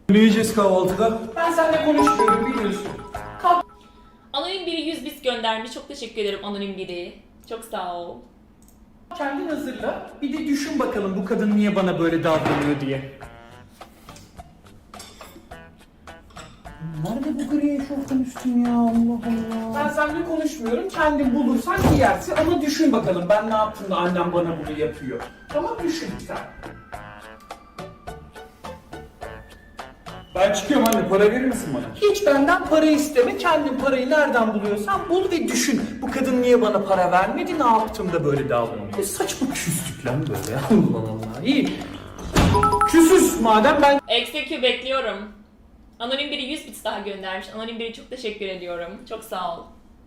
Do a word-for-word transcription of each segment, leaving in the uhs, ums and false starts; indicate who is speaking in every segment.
Speaker 1: Ne yiyeceğiz kahvaltıda?
Speaker 2: Ben seninle konuşmuyorum biliyorsun. Kalk.
Speaker 3: Anonim biri yüz bit göndermiş. Çok teşekkür ederim anonim biri. Çok sağ ol.
Speaker 2: Kendin hazırla. Bir de düşün bakalım bu kadın niye bana böyle davranıyor diye.
Speaker 1: Nerede bu gri eşofman üstün ya, Allah Allah.
Speaker 2: Ben seninle konuşmuyorum. Kendin bulursan giyersin ama düşün bakalım ben ne yaptım da annem bana bunu yapıyor. Tamam düşün sen.
Speaker 1: Ben çıkıyorum anne, para verir misin bana?
Speaker 2: Hiç benden para isteme. Kendin parayı nereden buluyorsan bul ve düşün. Bu kadın niye bana para vermedi? Ne yaptım da böyle davranıyor? Ne saçma küslük lan böyle ya. Allah Allah. İyi. Küsüz madem ben
Speaker 3: Execute bekliyorum. Anonim biri yüz bit daha göndermiş. Anonim biri çok teşekkür ediyorum. Çok sağ ol.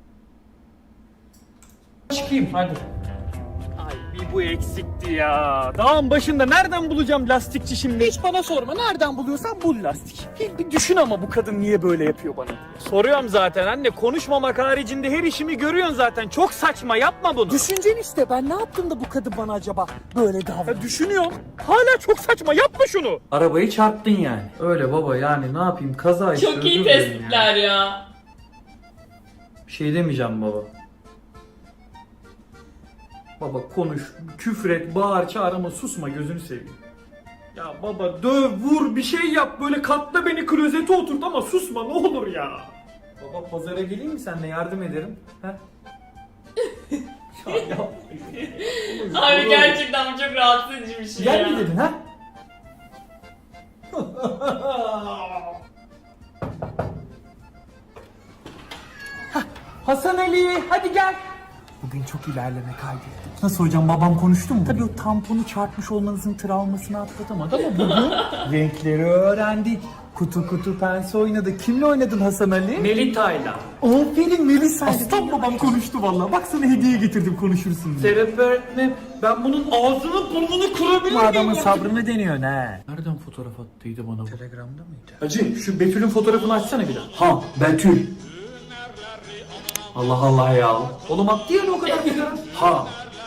Speaker 2: çıkayım hadi. Ay bir bu eksikti ya. Dağın başında nereden bulacağım lastikçi şimdi? Hiç bana sorma. Nereden buluyorsan bul lastik. Bir, bir düşün ama bu kadın niye böyle yapıyor bana? Soruyorum zaten anne. Konuşmamak haricinde her işimi görüyorsun zaten. Çok saçma yapma bunu.
Speaker 4: Düşüncen işte, ben ne yaptım da bu kadın bana acaba böyle davranıyor?
Speaker 2: Ya düşünüyorum. Hala çok saçma yapma şunu.
Speaker 1: Arabayı çarptın yani. Öyle baba, yani ne yapayım, kaza işte.
Speaker 3: Çok iyi
Speaker 1: özür dilerim
Speaker 3: tespitler
Speaker 1: yani.
Speaker 3: ya.
Speaker 1: Bir şey demeyeceğim baba. Baba konuş, küfret, bağır, çağır ama susma, gözünü seveyim.
Speaker 2: Ya baba döv, vur, bir şey yap. Böyle katla beni klozete oturt ama susma ne olur ya.
Speaker 1: Baba pazara geleyim mi, seninle yardım ederim? He? Ya yapma.
Speaker 3: Abi gerçekten bu çok rahatsız edici bir şey
Speaker 1: Gel
Speaker 3: ya.
Speaker 1: mi dedin ha?
Speaker 2: Hasan Ali hadi gel.
Speaker 4: Bugün çok ilerleme kaydettim.
Speaker 1: Nasıl hocam, babam konuştu mu?
Speaker 4: Tabii o tamponu çarpmış olmanızın travmasını atlatamadı ama bugün renkleri öğrendik. Kutu kutu pense oynadı. Kimle oynadın Hasan Ali?
Speaker 2: Melita'yla.
Speaker 4: Aferin Melisa. Aslan babam konuştu vallahi. Bak sana hediye getirdim, konuşursun diye.
Speaker 2: Serap öğretmenim ben bunun ağzını burnunu kırabilir
Speaker 4: Bu
Speaker 2: miyim?
Speaker 4: adamın sabrını deniyorsun ha.
Speaker 1: Nereden fotoğraf attıydı bana bu?
Speaker 4: Telegram'da mıydı?
Speaker 2: Hacı şu Betül'ün fotoğrafını açsana bir daha.
Speaker 1: Ha, Betül. Allah Allah ya.
Speaker 2: Oğlum attı ya o kadar güzel.
Speaker 1: Ha.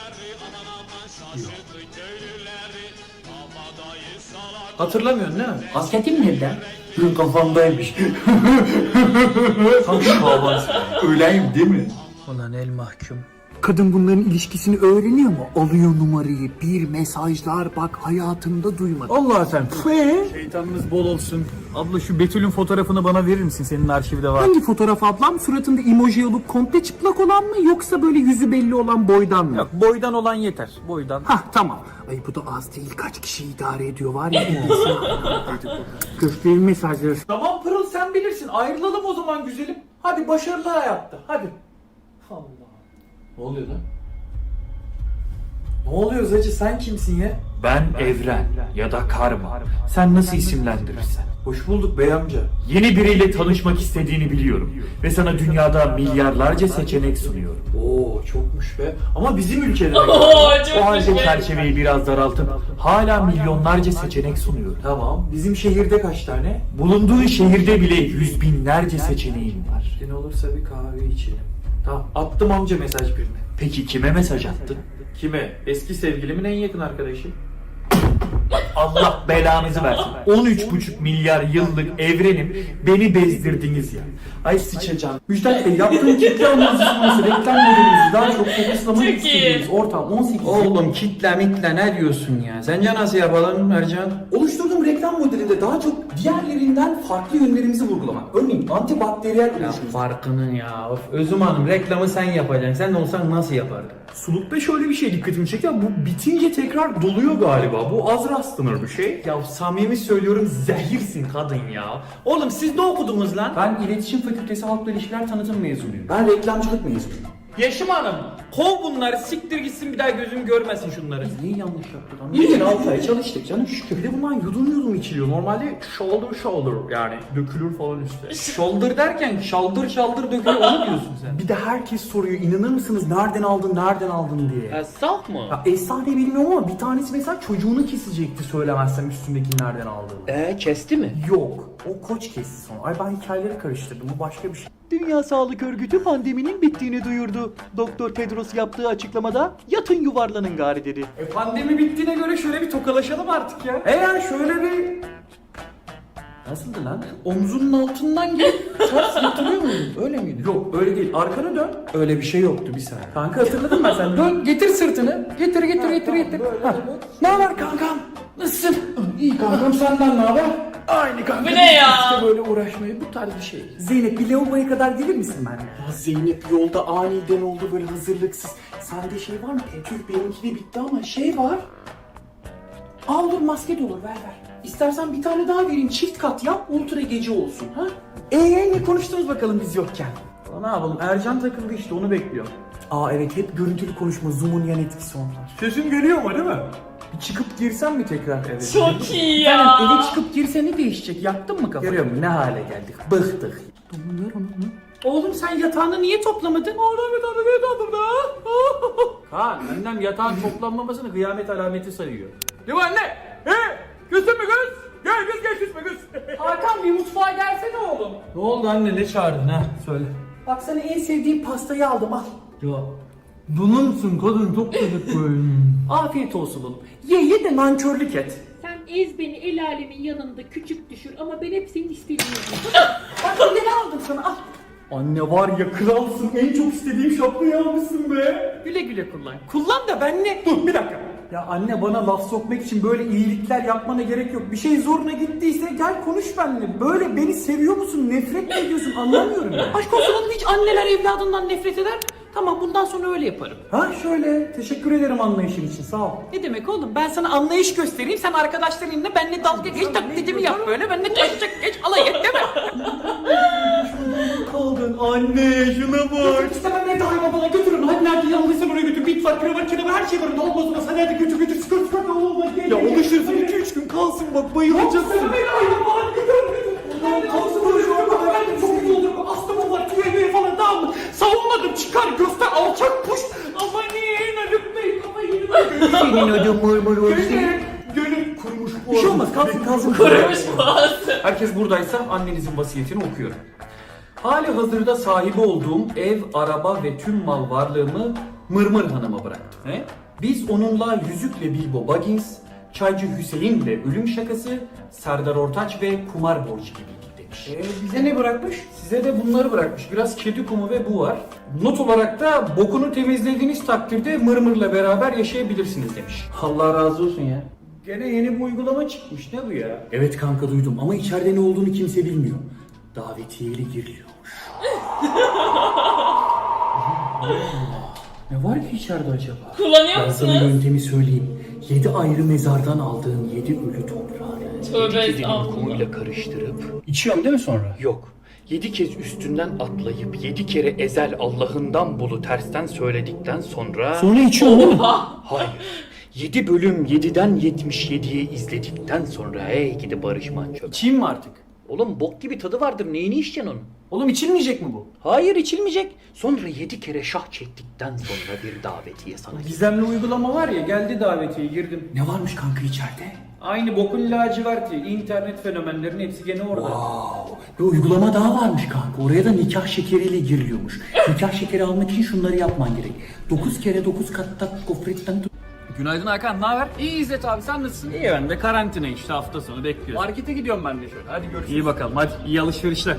Speaker 2: Hatırlamıyorsun değil mi?
Speaker 1: Kasketim nerede? Hı, kafamdaymış. Tam şaban. Öyleyim değil mi?
Speaker 4: Ulan el mahkum. Kadın bunların ilişkisini öğreniyor mu? Alıyor numarayı, bir mesajlar, bak hayatımda duymadım.
Speaker 1: Allah sen. Fe.
Speaker 2: Şeytanınız bol olsun. Abla şu Betül'ün fotoğrafını bana verir misin? Senin arşivde var.
Speaker 4: Hangi fotoğraf ablam? Suratında emoji olup komple çıplak olan mı, yoksa böyle yüzü belli olan boydan mı?
Speaker 2: Yok boydan olan yeter. Boydan.
Speaker 4: Hah tamam. Ay bu da az değil, kaç kişi idare ediyor var ya. Gösterin mesajları.
Speaker 2: Tamam Pırıl sen bilirsin. Ayrılalım o zaman güzelim. Hadi başarılı hayatta. Hadi. Allah.
Speaker 1: Ne oluyor lan? Ne oluyor Zacı, sen kimsin ya?
Speaker 5: Ben Evren ya da Karma. Sen nasıl isimlendirirsen.
Speaker 1: Hoş bulduk bey amca.
Speaker 5: Yeni biriyle tanışmak istediğini biliyorum. Ve sana dünyada milyarlarca seçenek sunuyorum.
Speaker 1: Oo çokmuş be. Ama bizim ülkede de.
Speaker 3: Oo çok
Speaker 5: O halde
Speaker 3: güzel.
Speaker 5: çerçeveyi biraz daraltıp hala milyonlarca seçenek sunuyorum.
Speaker 1: Tamam. Bizim şehirde kaç tane?
Speaker 5: Bulunduğun şehirde bile yüz binlerce seçeneğin var.
Speaker 1: Ne olursa bir kahve içelim. Tamam. Attım amca mesaj birine.
Speaker 5: Peki kime mesaj attın?
Speaker 1: Kime? Eski sevgilimin en yakın arkadaşı.
Speaker 5: Allah belanızı versin. on üç buçuk milyar yıllık evrenim, beni bezdirdiniz ya.
Speaker 1: Ay sıçacağım. Müjdat Bey, yaptığım kitle analizini, reklam modelimizi daha çok fokuslamak
Speaker 3: Çok
Speaker 1: istediğimiz
Speaker 3: iyi.
Speaker 1: ortam on sekiz. Oğlum kitle mitle ne diyorsun ya? Sence nasıl yapalım Ercan? Oluşturduğum reklam modelinde daha çok diğerlerinden farklı yönlerimizi vurgulamak. Örneğin antibakteriyel oluşumuz. Farkının ya. Of, Özüm Hanım, reklamı sen yapacaksın. Sen de olsan nasıl yapardın?
Speaker 5: Sulukta şöyle bir şey dikkatimi çekti. Bu bitince tekrar doluyor galiba. Bu az rastlanır bir şey.
Speaker 1: Ya samimi söylüyorum, zehirsin kadın ya. Oğlum siz ne okudunuz lan? Ben İletişim Fakültesi Halkla İlişkiler Tanıtım mezunuyum. Ben reklamcılık mezunuyum.
Speaker 2: Yeşim Hanım. Kov bunları siktir gitsin bir daha gözüm görmesin şunları.
Speaker 1: Neyi yanlış yaptık lan? Bir gün altı ay çalıştık canım şükür. Bir de bundan yudum yudum içiliyor. Normalde shoulder shoulder yani dökülür falan üstte. Shoulder derken şaldır şaldır dökülüyor, onu diyorsun sen. Bir de herkes soruyor, inanır mısınız nereden aldın nereden aldın diye.
Speaker 2: Saf mı?
Speaker 1: Ya efsane bilmiyorum ama bir tanesi mesela çocuğunu kesecekti söylemezsem üstündeki nereden aldığını.
Speaker 2: Eee kesti mi?
Speaker 1: Yok. O koç kesti sonra. Ay ben hikayeleri karıştırdım. Bu başka bir şey.
Speaker 4: Dünya Sağlık Örgütü pandeminin bittiğini duyurdu. Doktor Tedros yaptığı açıklamada yatın yuvarlanın gari dedi.
Speaker 2: E pandemi bittiğine göre şöyle bir tokalaşalım artık ya.
Speaker 1: Eğer şöyle bir... Nasıldı lan? Omzunun altından gelip ters yatırıyor muydun? Öyle miydi? Yok öyle değil. Arkanı dön. Öyle bir şey yoktu bir saniye. Kanka hatırladın mı sen? Dön getir sırtını. Getir getir getir getir. Ha. Ne haber kankam? Nasılsın? İyi kankam senden ne haber? Aynı kanka.
Speaker 3: Bu ne ya?
Speaker 1: İşte böyle uğraşmayı bu tarz bir şey. Zeynep bir lavaboya kadar gelir misin benimle? Ya Zeynep yolda aniden oldu böyle hazırlıksız. Sende şey var mı? Tüh benimki de bitti ama şey var. Aa olur maske de olur ver ver. İstersen bir tane daha vereyim çift kat yap ultra gece olsun ha. Eee ne konuştunuz bakalım biz yokken? Aa, ne yapalım Ercan takıldı işte onu bekliyor. Aa evet hep görüntülü konuşma Zoom'un yan etkisi onlar. Sesim geliyor mu değil mi? Bir çıkıp girsem mi tekrar eve?
Speaker 3: Çok iyi ya.
Speaker 1: Yani eve çıkıp girse ne değişecek? Yaktın mı kafanı? Görüyor musun ne hale geldik? Bıktık. Ver onu. Oğlum sen yatağını niye toplamadın? Oğlum yatağını niye toplamadın? Kaan annem yatağın toplanmamasını kıyamet alameti sayıyor. Değil mi anne? He? Küstün mü kız? Gel kız gel küsme kız. Hakan bir mutfağa gelsene oğlum. Ne oldu anne ne çağırdın ha? Söyle. Bak sana en sevdiğim pastayı aldım al. Ya bunun musun kadın çok dedik böyle. Afiyet olsun oğlum. Ye ye de nankörlük et.
Speaker 6: Sen ez beni el alemin yanında küçük düşür ama ben hep senin istediğin
Speaker 1: Bak ne aldım sana al. Anne var ya kralsın en çok istediğim şapkayı almışsın be. Güle güle kullan. Kullan da ben ne? Dur bir dakika. Ya anne bana laf sokmak için böyle iyilikler yapmana gerek yok. Bir şey zoruna gittiyse gel konuş benimle. Böyle beni seviyor musun nefret mi ediyorsun anlamıyorum ya.
Speaker 7: Aşk olsun oğlum hiç anneler evladından nefret eder. Tamam bundan sonra öyle yaparım.
Speaker 1: Ha şöyle teşekkür ederim anlayışın için sağ ol.
Speaker 7: Ne demek oğlum ben sana anlayış göstereyim sen arkadaşlarınla benimle dalga geç taklidimi yap böyle benimle taşacak geç alay et değil mi?
Speaker 1: Kaldın anne şuna bak.
Speaker 7: İstemem nerede hayvan bana götürün hadi nerede yanlıysa oraya götür bit var kravat kravat her şey var olmaz olmaz hadi hadi götür götür skır skır olmaz gel.
Speaker 1: Ya alışırsın iki üç gün kalsın bak bayılacaksın.
Speaker 7: Yok beni hayvan bana götür. Kalsın böyle şu anda ben de çok iyi olurum astımım var tüyeliğe falan tamam mı? Savunmadım çıkar göster alçak puş. Aman iyi ölüm bey kafayı yedim.
Speaker 1: Senin ödün mırmır olsun. Gönül kurumuş bu. Bir şey olmaz kalsın kalsın.
Speaker 3: Kurumuş boğazı.
Speaker 1: Herkes buradaysa annenizin vasiyetini okuyorum. Hali hazırda sahibi olduğum ev, araba ve tüm mal varlığımı Mırmır Hanım'a bıraktım. He? Biz onunla Yüzükle Bilbo Baggins, Çaycı Hüseyin'le Ölüm Şakası, Serdar Ortaç ve Kumar Borcu gibiydik demiş. Ee, bize ne bırakmış? Size de bunları bırakmış. Biraz kedi kumu ve bu var. Not olarak da bokunu temizlediğiniz takdirde Mırmır'la beraber yaşayabilirsiniz demiş. Allah razı olsun ya. Gene yeni bir uygulama çıkmış ne bu ya? Evet kanka duydum ama içeride ne olduğunu kimse bilmiyor. Davetiyeli giriliyormuş. Ne var ki içeride acaba?
Speaker 3: Kullanıyor
Speaker 1: Ben sana
Speaker 3: musunuz?
Speaker 1: yöntemi söyleyeyim. Yedi ayrı mezardan aldığın yedi ölü toprağı.
Speaker 3: Tövbe
Speaker 8: Yedi kedinin
Speaker 3: estağfurullah.
Speaker 8: kumuyla karıştırıp
Speaker 1: İçiyorum değil mi sonra?
Speaker 8: yok. Yedi kez üstünden atlayıp yedi kere ezel Allah'ından bulu tersten söyledikten sonra
Speaker 1: Sonra içiyorum değil mi?
Speaker 8: hayır. Yedi bölüm yediden yetmiş yediye izledikten sonra hey gidi Barış Manço.
Speaker 1: İçeyim mi artık?
Speaker 8: Oğlum bok gibi tadı vardır neyini içeceksin onun?
Speaker 1: Oğlum içilmeyecek mi bu?
Speaker 8: Hayır içilmeyecek. Sonra yedi kere şah çektikten sonra bir davetiye sana.
Speaker 1: Gizemli uygulama var ya geldi davetiye girdim. Ne varmış kanka içeride? Aynı bokun laciverti. İnternet fenomenlerinin hepsi gene orada. Wow. Bir uygulama daha varmış kanka. Oraya da nikah şekeriyle giriliyormuş. Nikah şekeri almak için şunları yapman gerek. dokuz kere dokuz katta gofretten tut.
Speaker 2: Günaydın Hakan, ne haber? İyi İzzet abi, sen nasılsın? İyi ben de karantina işte hafta sonu bekliyorum. Markete gidiyorum ben de şöyle, hadi görüşürüz. İyi bakalım, hadi iyi alışverişler.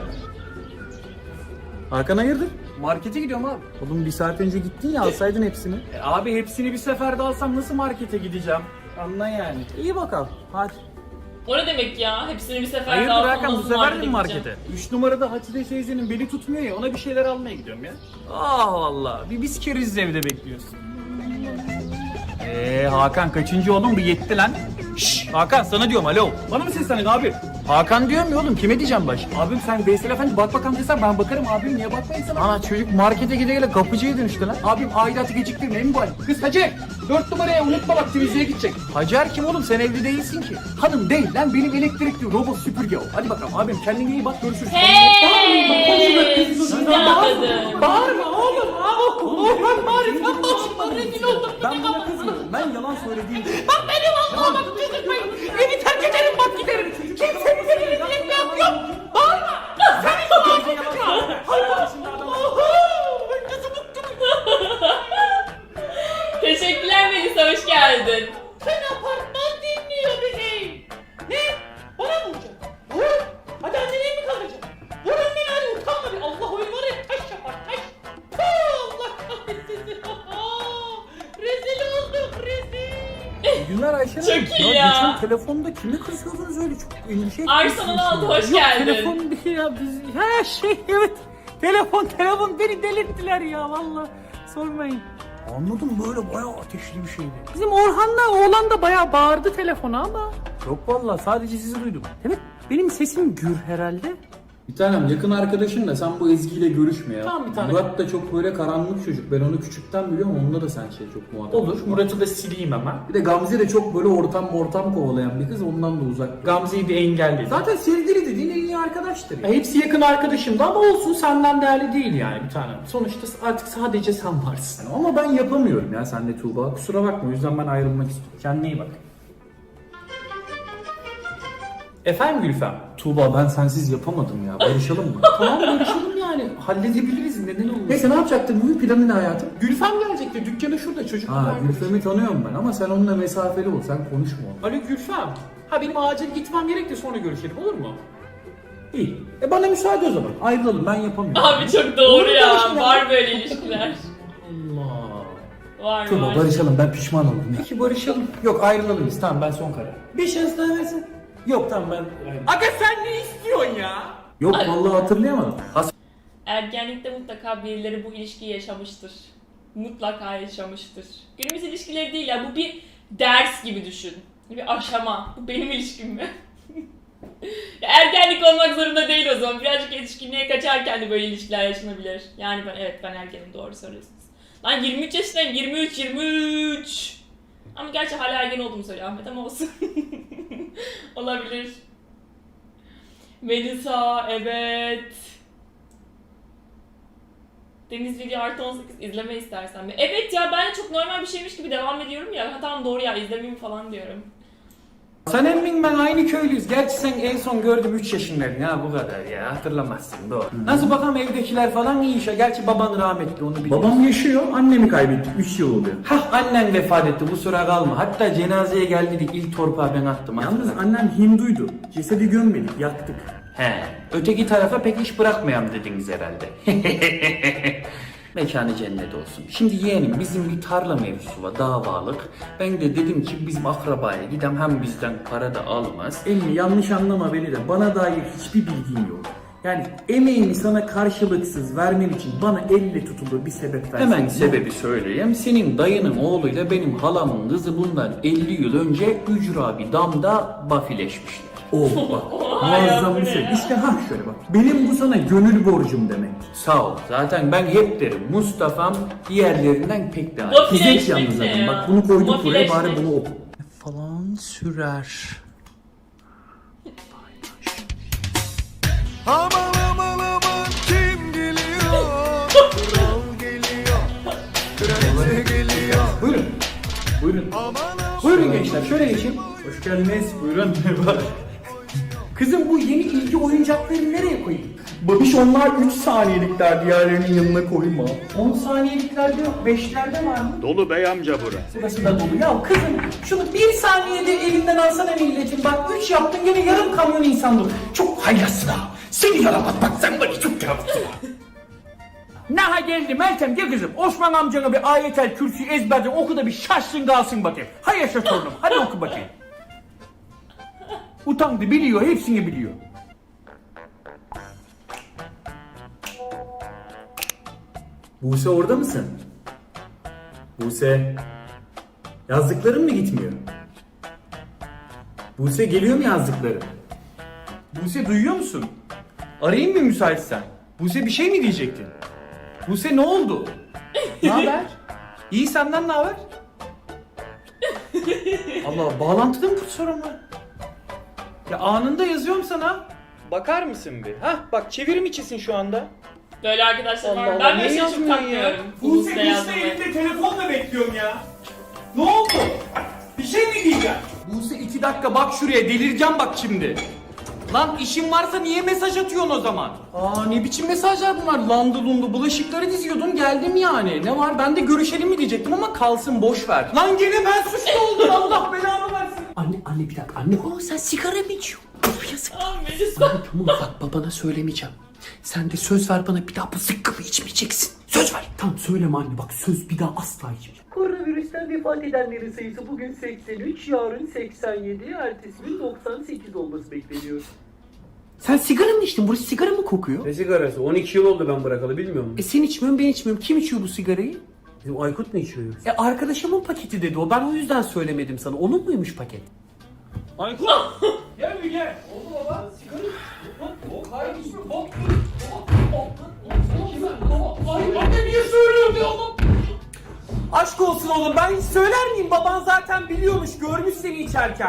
Speaker 1: Hakan hayırdır?
Speaker 2: Markete gidiyorum abi.
Speaker 1: Oğlum bir saat önce gittin ya alsaydın hepsini.
Speaker 2: E, abi hepsini bir seferde alsam nasıl markete gideceğim? Anla yani.
Speaker 1: İyi bakalım. Hadi.
Speaker 3: O ne demek ya? Hepsini bir seferde
Speaker 2: Hayırdır
Speaker 3: alsam
Speaker 2: Hakan, bu
Speaker 3: nasıl
Speaker 2: sefer de mi
Speaker 3: markete
Speaker 2: markete? üç numarada Hatice teyzenin beli tutmuyor ya, ona bir şeyler almaya gidiyorum ya. Ah valla, bir biz keriz evde bekliyorsun. Eee Hakan kaçıncı oğlum, bir yetti lan. Şşş Hakan sana diyorum alo. Bana mı seslendin abi? Hakan diyorum ya oğlum, kime diyeceğim baş? Abim sen Veysel Efendi bak bakalım desen ben bakarım abim, niye bakmayın sana? Ana çocuk markete gide gele kapıcıya dönüştü lan. Abim aidatı geciktirme mi bu hal? Kız Hacer dört numaraya unutma bak temizliğe gidecek. Hacer kim oğlum, sen evli değilsin ki. Hanım değil lan, benim elektrikli robot süpürge o. Hadi bakalım abim kendine iyi bak, görüşürüz.
Speaker 3: Hey! Güzel kadın.
Speaker 7: Bağırma oğlum. Oğlum bağırma. Bağırma. Rezil oldum.
Speaker 1: Ben buna kızmıyorum. Ben yalan söylediğim için.
Speaker 7: Bak benim Allah'ıma bak kızırmayın. Evi terk ederim bak giderim. Kimsenin beni rezil etmem yok. Bağırma. Senin bağırma.
Speaker 3: Teşekkürler Melisa, hoş geldin.
Speaker 7: Sen apartman dinliyor bebeğim. Ne? Bana mı vuracaksın? Vur.
Speaker 4: Günler Ayşe Hanım.
Speaker 3: Çok iyi ya.
Speaker 4: Geçen telefonda kimi kızıyordunuz öyle çok endişe
Speaker 3: Arsenal aldı, hoş
Speaker 4: Yok,
Speaker 3: geldin.
Speaker 4: telefon değil ya biz. Ha şey evet. Telefon telefon beni delirttiler ya valla. Sormayın. Anladım böyle bayağı ateşli bir şeydi. Bizim Orhan'la oğlan da bayağı bağırdı telefona ama. Yok valla sadece sizi duydum. Demek benim sesim gür herhalde.
Speaker 1: Bir tanem yakın arkadaşın da sen bu Ezgi ile görüşme ya.
Speaker 2: Tamam bir tane.
Speaker 1: Murat da çok böyle karanlık çocuk. Ben onu küçükten biliyorum. Onunla da sen şey çok muhatap.
Speaker 2: Olur. Murat'ı da sileyim hemen.
Speaker 1: Bir de Gamze de çok böyle ortam ortam kovalayan bir kız. Ondan da uzak.
Speaker 2: Gamze'yi bir engelledim.
Speaker 1: Zaten sevgili dediğin en iyi arkadaştır ya.
Speaker 2: Ya hepsi yakın arkadaşımdı ama olsun senden değerli değil yani bir tanem. Sonuçta artık sadece sen varsın.
Speaker 1: Ama ben yapamıyorum ya senle Tuğba. Kusura bakma. O yüzden ben ayrılmak istiyorum.
Speaker 2: Kendine iyi bak. Efendim Gülfem?
Speaker 1: Tuğba ben sensiz yapamadım ya. Barışalım mı?
Speaker 2: Tamam görüşelim yani. Halledebiliriz. Neden olmasın?
Speaker 1: Neyse ne yapacaktın? Bugün planın ne hayatım?
Speaker 2: Gülfem gelecekti. Dükkanı şurada çocuk.
Speaker 1: Ha Gülfem'i tanıyorum ben ama sen onunla mesafeli ol. Sen konuşma onunla.
Speaker 2: Alo Gülfem. Ha benim acil gitmem gerek de sonra görüşelim olur mu?
Speaker 1: İyi. E bana müsaade o zaman. Ayrılalım. Ben yapamıyorum.
Speaker 3: Abi çok doğru
Speaker 1: Olur
Speaker 3: ya.
Speaker 1: barışma.
Speaker 3: Var böyle ilişkiler.
Speaker 1: Allah.
Speaker 3: Var
Speaker 1: Tuğba
Speaker 3: var.
Speaker 1: barışalım. Ben pişman oldum.
Speaker 2: Peki barışalım.
Speaker 1: Yok ayrılalım biz. Tamam ben son karar.
Speaker 2: Bir şans daha versin.
Speaker 1: Yok tamam ben ayrılalım.
Speaker 2: Aga sen ne istiyorsun ya?
Speaker 1: Yok vallahi hatırlayamadım. Has
Speaker 3: Ergenlikte mutlaka birileri bu ilişkiyi yaşamıştır. Mutlaka yaşamıştır. Günümüz ilişkileri değil ya, bu bir ders gibi düşün. Bir aşama. Bu benim ilişkim mi? Ya ergenlik olmak zorunda değil o zaman. Birazcık yetişkinliğe kaçarken de böyle ilişkiler yaşanabilir. Yani ben evet ben ergenim, doğru söylüyorsunuz. Lan yirmi üç yaşındayım. yirmi üç yirmi üç. Ama gerçi hala ergen olduğumu söylüyor Ahmet ama olsun. Olabilir. Melisa evet. Deniz Video artı on sekiz izleme istersen mi? Evet ya, ben de çok normal bir şeymiş gibi devam ediyorum ya. Ha tamam doğru ya, izlemeyeyim falan diyorum.
Speaker 1: Sen emmin ben aynı köylüyüz. Gerçi sen en son gördüm üç yaşındaydın ha bu kadar ya. Hatırlamazsın doğru. Nasıl bakalım evdekiler falan iyi işe. Gerçi baban rahmetli onu biliyorum. Babam yaşıyor. Annemi kaybettik. üç yıl oluyor. Hah annen vefat etti. Bu sıra kalma. Hatta cenazeye geldik. İlk torpağı ben attım. Yalnız annem Hinduydu. Cesedi gömmedik. Yaktık. He. Öteki tarafa pek iş bırakmayam dediniz herhalde. Mekanı cennet olsun. Şimdi yeğenim bizim bir tarla mevzusu var, davalık. Ben de dedim ki bizim akrabaya gidem, hem bizden para da almaz. Emmi yanlış anlama beni de, bana dair hiçbir bilgin yok. Yani emeğimi sana karşılıksız vermem için bana elle tutulur bir sebep versin. Hemen sebebi söyleyeyim. Senin dayının oğluyla benim halamın kızı bundan elli yıl önce ücra bir damda bafileşmişler. Oh bak. Muazzam bir şey. İşte ha şöyle bak. Benim bu sana gönül borcum demek. Sağ ol. Zaten ben hep derim Mustafa'm diğerlerinden pek daha.
Speaker 3: Bafileşmek
Speaker 1: Fizek yalnız
Speaker 3: ne
Speaker 1: zaten.
Speaker 3: ya?
Speaker 1: Bak bunu koyduk buraya, bari
Speaker 3: Bafileşmek.
Speaker 1: bunu oku.
Speaker 4: Falan sürer.
Speaker 9: Aman aman aman kim geliyor? Kral geliyor. Kraliçe geliyor.
Speaker 1: Buyurun. Buyurun.
Speaker 9: Aman aman.
Speaker 1: Buyurun gençler şöyle geçin. Hoş geldiniz. Buyurun. Merhaba. Kızım bu yeni ilgi oyuncaklarını nereye koyayım? Babiş onlar üç saniyelikler, diğerlerinin yanına koyma. on saniyeliklerde yok, beşlerde var mı?
Speaker 8: Dolu bey amca bura.
Speaker 1: Burası da dolu. Ya kızım şunu bir saniyede elinden alsana milletin. Bak üç yaptın gene yarım kamyon insan dolu. Çok haylazsın ha. Seni yaramaz bak, sen bana çok yaramazsın ha.
Speaker 2: Naha geldi Meltem, gel kızım. Osman amcana bir ayetel kürsüyü ezberden oku da bir şaşsın kalsın bakayım. Hay yaşa torunum, hadi oku bakayım. Utandı, biliyor, hepsini biliyor.
Speaker 1: Buse orada mısın? Buse. Yazdıkların mı gitmiyor? Buse geliyor mu yazdıkların?
Speaker 2: Buse duyuyor musun? Arayayım mı müsaitsen? Buse bir şey mi diyecektin? Buse ne oldu? Ne haber? İyi, senden ne haber? Allah, bağlantıda mı sorun var? Ya anında yazıyorum sana. Bakar mısın bir? Hah bak, çevirim içisin şu anda.
Speaker 3: Böyle arkadaşlar var.
Speaker 2: Allah
Speaker 3: Ben
Speaker 2: Allah,
Speaker 3: böyle
Speaker 2: niye
Speaker 3: şey çok
Speaker 2: yazmıyorsun
Speaker 3: takmıyorum.
Speaker 2: Buse
Speaker 3: Buse
Speaker 2: işte
Speaker 3: yazmayı.
Speaker 2: elimde telefonla bekliyorum ya. Ne oldu? Bir şey mi diyeceğim? Buse iki dakika bak şuraya, delireceğim bak şimdi. Lan işin varsa niye mesaj atıyorsun o zaman? Aa ne biçim mesajlar bunlar? Landı lundu bulaşıkları diziyordun, geldim yani. Ne var, ben de görüşelim mi diyecektim ama kalsın, boş ver. Lan gene ben suçlu oldum, Allah belamı versin.
Speaker 7: Anne anne bir dakika anne. Oğlum sen sigara mı içiyorsun? Of yazık.
Speaker 3: Aa Melisa.
Speaker 7: Anne tamam bak babana söylemeyeceğim. Sen de söz ver bana, bir daha bu zıkkımı içmeyeceksin. Söz ver. Tamam söyleme anne, bak söz, bir daha asla içmeyeceğim.
Speaker 6: Koronavirüs
Speaker 4: virüsten vefat edenlerin sayısı bugün seksen üç, yarın seksen yedi, ertesi gün doksan sekiz olması bekleniyor. Sen sigara mı içtin? Burası sigara mı kokuyor?
Speaker 10: Ne sigarası? on iki yıl oldu ben bırakalı, bilmiyor musun?
Speaker 4: E sen içmiyorsun, ben içmiyorum. Kim içiyor bu sigarayı?
Speaker 10: Bizim Aykut mu içiyor?
Speaker 4: E arkadaşımın paketi dedi o. Ben o yüzden söylemedim sana. Onun muymuş paket?
Speaker 2: Aykut! Gel bir gel. Oldu baba. Sigara. Bok hayır içme. Bok. Anne niye söylüyorsun ya oğlum?
Speaker 4: Aşk olsun oğlum, ben hiç söyler miyim? Baban zaten biliyormuş, görmüş seni içerken.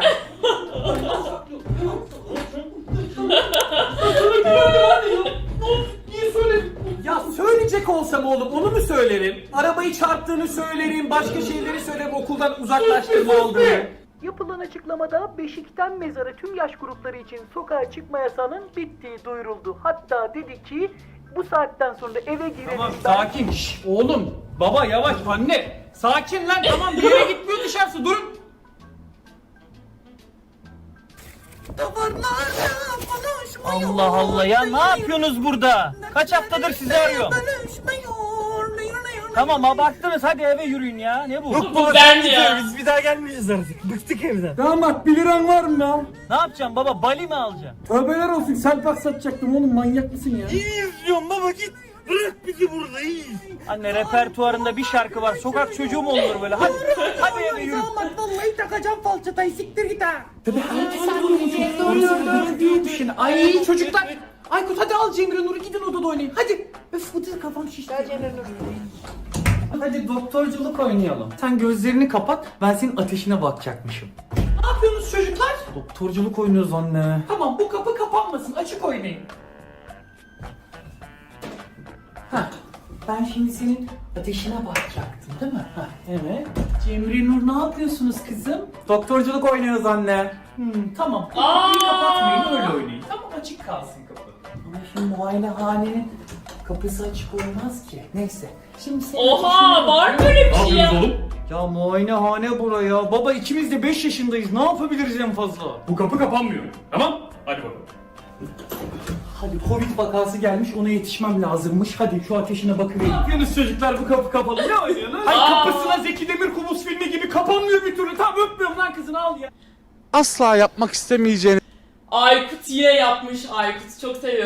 Speaker 2: Niye söyledin?
Speaker 4: Ya söyleyecek olsam oğlum onu mu söylerim? Arabayı çarptığını söylerim, başka şeyleri söylerim, okuldan uzaklaştırma aldığını. Yapılan açıklamada Beşik'ten mezara tüm yaş grupları için sokağa çıkma yasağının bittiği duyuruldu. Hatta dedi ki bu saatten sonra eve girelim.
Speaker 2: Tamam sakin. Şş, oğlum. Baba yavaş anne. Sakin lan tamam bir yere gitmiyor dışarısı durun. Allah Allah ya ne yapıyorsunuz burada? Kaç haftadır sizi arıyorum. Tamam abarttınız hadi eve yürüyün ya ne bu?
Speaker 3: Bu ben ya.
Speaker 5: Biz bir daha gelmeyeceğiz artık. Bıktık evden.
Speaker 1: Damat bir liran var mı ya?
Speaker 2: Ne yapacaksın baba bali mi alacaksın?
Speaker 1: Tövbeler olsun, selpak satacaktım oğlum, manyak mısın ya?
Speaker 5: İzliyorum baba git. Bırak bizi burada iyi.
Speaker 2: Anne repertuarında bir şarkı var. Sokak çocuğu mu olur böyle? Hadi hadi eve yürü.
Speaker 4: Vallahi takacağım falçatayı, siktir git ha.
Speaker 1: Şimdi ay çocuklar. Aykut hadi al Cemre Nur'u, gidin odada oynayın. Hadi. Öf bu da kafam şişti. Gel Cemre Nur. Hadi doktorculuk oynayalım. Sen gözlerini kapat, ben senin ateşine bakacakmışım.
Speaker 4: Ne yapıyorsunuz çocuklar?
Speaker 1: Doktorculuk oynuyoruz anne.
Speaker 4: Tamam, bu kapı kapanmasın, açık oynayın.
Speaker 1: Heh. Ben şimdi senin ateşine bakacaktım değil mi? Heh, evet.
Speaker 4: Cemre Nur ne yapıyorsunuz kızım?
Speaker 1: Doktorculuk oynuyoruz anne.
Speaker 4: Hmm, tamam.
Speaker 3: Aa!
Speaker 4: Kapıyı kapatmayın, öyle oynayın. Tamam, açık kalsın kapı.
Speaker 1: Ama şimdi muayenehanenin kapısı açık olmaz ki. Neyse. Şimdi senin
Speaker 3: Oha
Speaker 1: ateşine
Speaker 3: var mı
Speaker 1: bakıyorum.
Speaker 3: öyle bir şey ya?
Speaker 1: Ya muayenehane buraya. Baba ikimiz de beş yaşındayız. Ne yapabiliriz en fazla?
Speaker 2: Bu kapı kapanmıyor. Tamam? Hadi bakalım.
Speaker 1: Hadi Covid vakası gelmiş, ona yetişmem lazımmış. Hadi şu ateşine
Speaker 2: Ne
Speaker 1: bakıvereyim.
Speaker 2: yapıyorsunuz çocuklar bu kapı kapalı? Ne oynuyorsunuz? Ay kapısına Zeki Demirkubuz filmi gibi kapanmıyor bir türlü. Tamam öpmüyorum lan kızını al ya.
Speaker 9: Asla yapmak istemeyeceğiniz
Speaker 3: Aykut yine yapmış Aykut. Çok seviyorum.